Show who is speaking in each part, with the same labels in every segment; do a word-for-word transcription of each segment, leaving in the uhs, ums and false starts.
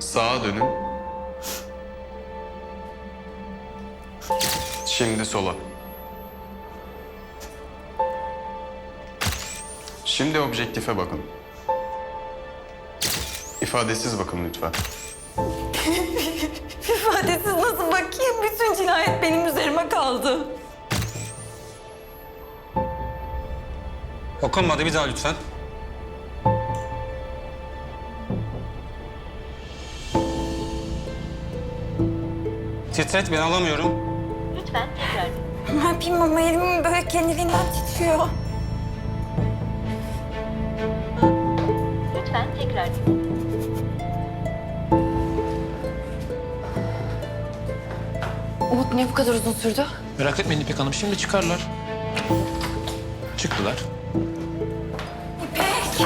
Speaker 1: Sağa dönün. Şimdi sola. Şimdi objektife bakın. İfadesiz bakın lütfen.
Speaker 2: İfadesiz nasıl bakayım? Bütün cinayet benim üzerime kaldı.
Speaker 3: Okunmadı, bir daha lütfen. Titret, ben alamıyorum.
Speaker 4: Lütfen tekrar.
Speaker 2: Ne yapayım ama elim böyle kendiliğinden titriyor.
Speaker 4: Lütfen tekrar.
Speaker 2: Umut niye bu kadar uzun sürdü?
Speaker 5: Merak etmeyin İpek Hanım, şimdi çıkarlar. Çıktılar.
Speaker 2: İpek!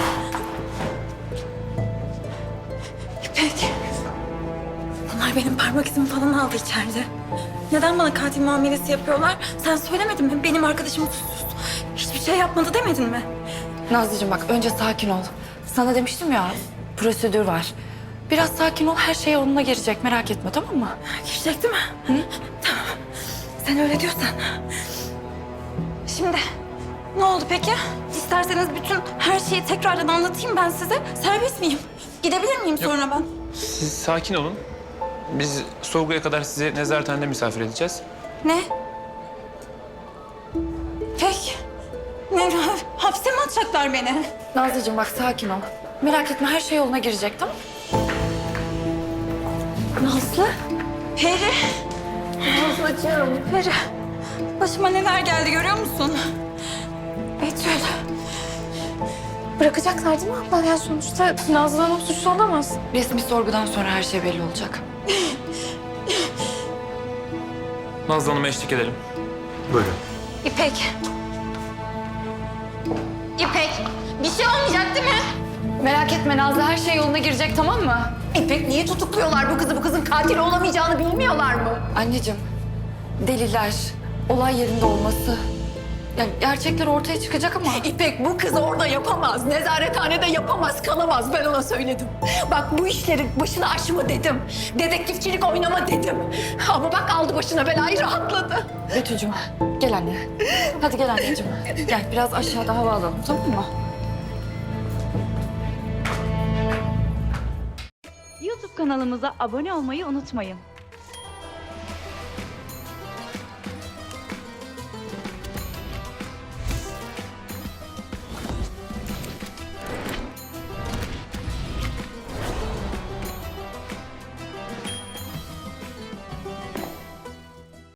Speaker 2: İpek! Bunlar benim parmak izimi falan aldı içeride. Neden bana katil muamelesi yapıyorlar? Sen söylemedin mi? Benim arkadaşım suçsuz. Hiçbir şey yapmadı demedin mi?
Speaker 6: Nazlıcığım bak önce sakin ol. Sana demiştim ya prosedür var. Biraz sakin ol, her şey yoluna girecek, merak etme, tamam mı?
Speaker 2: Girecek değil mi? Hı? Tamam. Sen öyle diyorsan. Şimdi ne oldu peki? İsterseniz bütün her şeyi tekrardan anlatayım ben size. Serbest miyim? Gidebilir miyim sonra ben?
Speaker 5: Siz sakin olun. Biz sorguya kadar sizi nezarethanede misafir edeceğiz.
Speaker 2: Ne? Peki. Ne? Hapse mi atacaklar beni?
Speaker 6: Nazlıcığım bak sakin ol. Merak etme, her şey yoluna girecek, tamam mı?
Speaker 2: Nazlı? Peri. Nazlıcığım. Peri. Başıma neler geldi görüyor musun? Betül.
Speaker 6: Bırakacaklar değil mi abla? Yani sonuçta Nazlı Hanım suçlu olamaz. Resmi sorgudan sonra her şey belli olacak.
Speaker 5: Nazlı Hanım'a eşlik edelim.
Speaker 1: Buyurun.
Speaker 2: İpek. İpek. Bir şey olmayacak değil mi?
Speaker 6: Merak etme Nazlı, her şey yoluna girecek, tamam mı?
Speaker 7: İpek niye tutukluyorlar bu kızı? Bu kızın katil olamayacağını bilmiyorlar mı?
Speaker 6: Anneciğim, deliller, olay yerinde olması... Yani gerçekler ortaya çıkacak ama...
Speaker 7: İpek bu kız orada yapamaz. Nezarethanede yapamaz, kalamaz. Ben ona söyledim. Bak bu işlerin başını açma dedim. Dedektifçilik oynama dedim. Ama bak aldı başına belayı, rahatladı.
Speaker 6: Betül'cüm gel anne. Hadi gel anneciğim. Gel biraz aşağıda hava alalım, tamam mı?
Speaker 8: YouTube kanalımıza abone olmayı unutmayın.